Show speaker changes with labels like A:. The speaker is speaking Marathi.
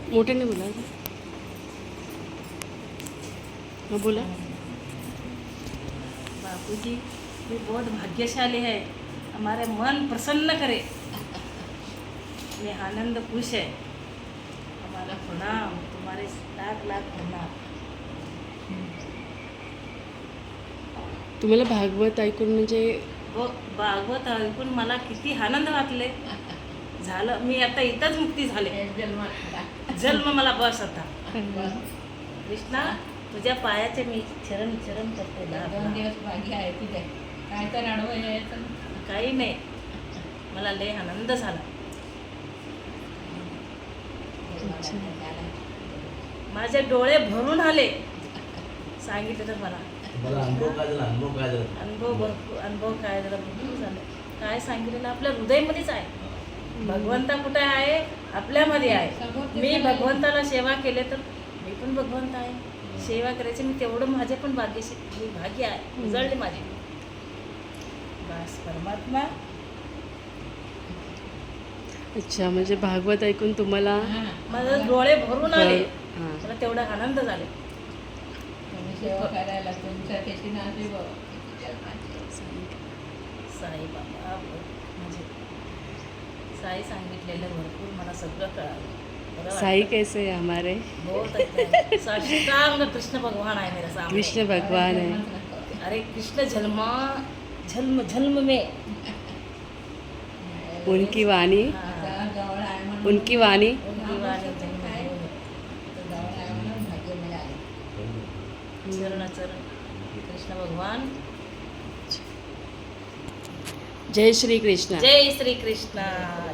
A: मोठ्याने बोला. हाँ बोला.
B: बापूजी ये बहुत भाग्यशाली है, हमारे मन प्रसन्न करे, ये आनंद खुश है. हमारा प्रणाम, तुम्हारे लाख लाख प्रणाम.
A: तुम्हाला भागवत ऐकून म्हणजे
B: व भागवत ऐकून मला किती आनंद वाटले. झालं, मी आता इथंच मुक्ती झाले. जन्म मला बस आता. कृष्णा, तुझ्या पायाचे मी चरण चरण करते.
C: 2 दिवस बाकी आहे तिथे काय तर अडवं यायचं.
B: काही नाही, मला लय आनंद झाला. माझे डोळे भरून आले. सांगितलं तर मला
D: अनुभव काय झाला?
B: अनुभव भरपूर, अनुभव काय झाला, भरपूर झालं. काय सांगितलेलं आपल्या हृदयमध्येच आहे. भगवंता कुठे आहे? आपल्यामध्ये आहे. मी भगवंताला सेवा केले तर मी पण भगवंत आहे. सेवा करायची मी तेवढं माझे पण भाग्य आहे. उजळले माझे. बस परमात्मा.
A: अच्छा, म्हणजे भागवत ऐकून तुम्हाला
B: माझे डोळे भरून आले.
A: हां.
B: मला तेवढा आनंद झाले.
C: तुम्ही सेवा करायला तुमच्या कशी नाते
B: साई बाबा म्हणजे साई सांगितलेलं भरपूर मला सगळं कळालं. बरं वाटलं.
A: साई कैसे है हमारे?
B: बहुत अच्छा है. साष्टांग कृष्ण भगवान आहे मेरा सामने.
A: कृष्ण भगवान है.
B: अरे कृष्ण जन्म जन्म में
A: उनकी वाणी,
B: हाँ,
C: जवळ आहे म्हणून
A: उनकी वाणी.
B: उनकी वाणी जन्म
C: आहे.
B: में.
C: जवळ आहे म्हणून भाग्य मिळाले.
B: चरण चरण कृष्ण भगवान.
A: जय श्री कृष्ण.
B: जय श्री कृष्ण.